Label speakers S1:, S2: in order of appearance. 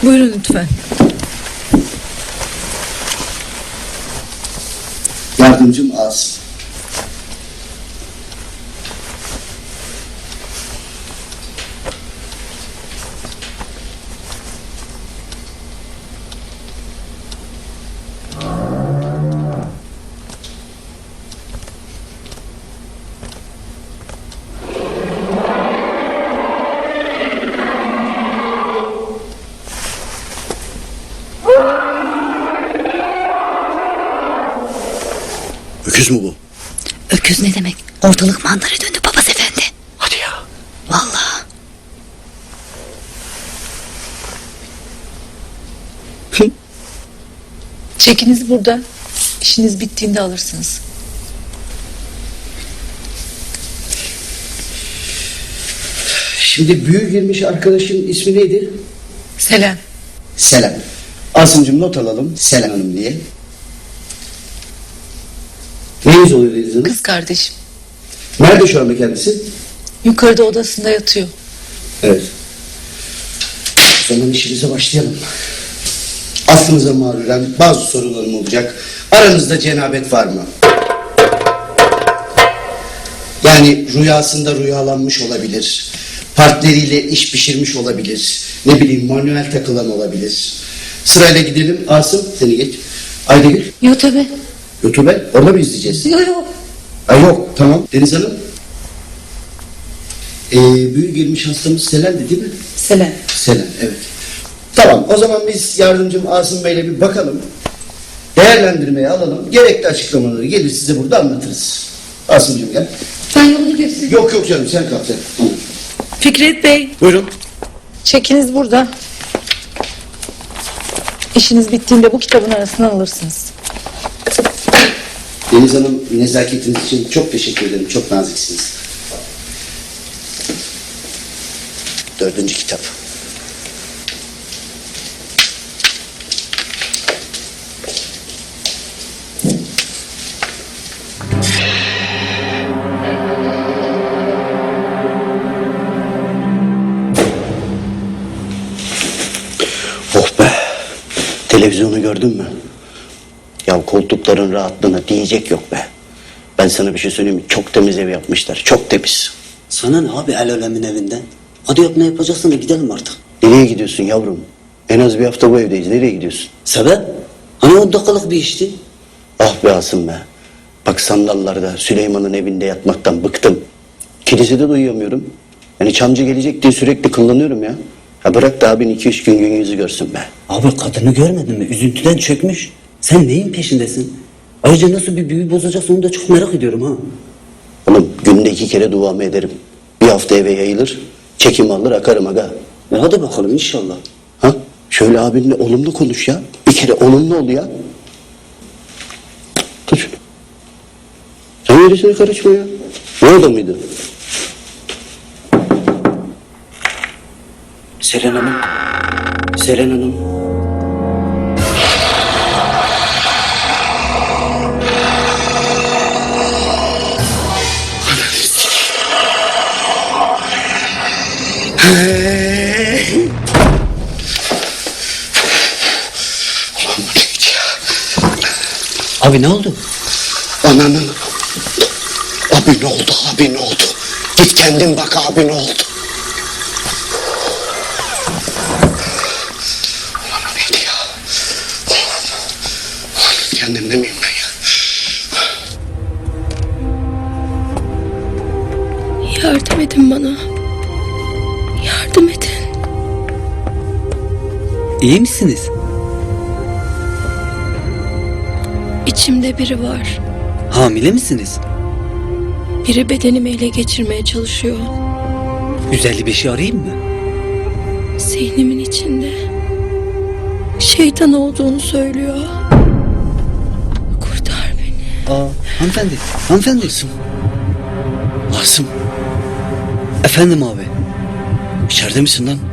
S1: Buyurun lütfen.
S2: Yardımcım Asım. Öküz mü bu?
S3: Öküz ne demek? Ortalık mandara döndü papaz efendi.
S2: Hadi ya.
S3: Vallahi.
S1: Çekiniz burada. İşiniz bittiğinde alırsınız.
S2: Şimdi büyük girmiş arkadaşın ismi neydi?
S1: Selam.
S2: Selam. Asımcığım not alalım. Selam Hanım diye. Neyiniz oluyor Deniz Hanım?
S1: Kız kardeşim.
S2: Nerede şu anda kendisi?
S1: Yukarıda odasında yatıyor.
S2: Evet. O zaman işimize başlayalım. Aklınıza mağruren bazı sorularım olacak. Aranızda cenabet var mı? Yani rüyasında rüyalanmış olabilir. Partneriyle iş pişirmiş olabilir. Ne bileyim manuel takılan olabilir. Sırayla gidelim. Asım seni geç. Aydegül.
S1: Yok tabi.
S2: YouTube orada mı izleyeceğiz?
S1: Yok.
S2: Ay yok tamam. Deniz Hanım. Büyük girmiş hastamız Selen'di değil mi?
S1: Selam.
S2: Selen, evet. Tamam, o zaman biz yardımcım Asım Bey'le bir bakalım. Değerlendirmeye alalım. Gerekli açıklamaları gelir size burada anlatırız. Asımcığım gel.
S1: Ben yolunu göstereyim.
S2: Yok canım sen kal sen. Tamam.
S1: Fikret Bey.
S2: Buyurun.
S1: Çekiniz burada. İşiniz bittiğinde bu kitabın arasından alırsınız.
S2: Deniz Hanım nezaketiniz için çok teşekkür ederim. Çok naziksiniz. 4. kitap. Oh be! Televizyonu gördün mü? Ya koltukların rahatlığına diyecek yok be. Ben sana bir şey söyleyeyim mi? Çok temiz ev yapmışlar. Çok temiz.
S4: Sana ne abi el alemin evinden? Hadi yap ne yapacaksın da gidelim artık.
S2: Nereye gidiyorsun yavrum? En az bir hafta bu evdeyiz. Nereye gidiyorsun?
S4: Sebep? Hani 10 dakikalık bir işti.
S2: Ah be Asım be. Bak sandallarda Süleyman'ın evinde yatmaktan bıktım. Kilisede de uyuyamıyorum. Yani Çamcı gelecek diye sürekli kullanıyorum ya. Ha bırak da abin 2-3 gün yüzü görsün be.
S4: Abi kadını görmedin mi? Üzüntüden çökmüş. Sen neyin peşindesin? Ayrıca nasıl bir büyü bozacaksın onu da çok merak ediyorum ha.
S2: Oğlum günde 2 kere duamı ederim. Bir hafta eve yayılır. Çekim alır akarım aga.
S4: Hadi bakalım inşallah.
S2: Ha? Şöyle abinle olumlu konuş ya. Bir kere olumlu ol ya. Tut şunu. Sen gerisine karışma ya. Ne orada mıydı? Selen Hanım. Selen Hanım.
S4: Abi ne oldu?
S2: Ananın. Abi ne oldu? Abi ne oldu? Git kendin bak abi ne oldu? Ulan o neydi ya? Kendimde miyim ben ya?
S5: Yardım edin bana. Yardım edin.
S4: İyi misiniz?
S5: İçimde biri var.
S4: Hamile misiniz?
S5: Biri bedenimi ele geçirmeye çalışıyor.
S4: 155'i arayayım mı?
S5: Zihnimin içinde. Şeytan olduğunu söylüyor. Kurtar beni.
S4: Hanımefendi. Hanımefendi.
S2: Asım.
S4: Efendim abi.
S2: İçeride misin lan?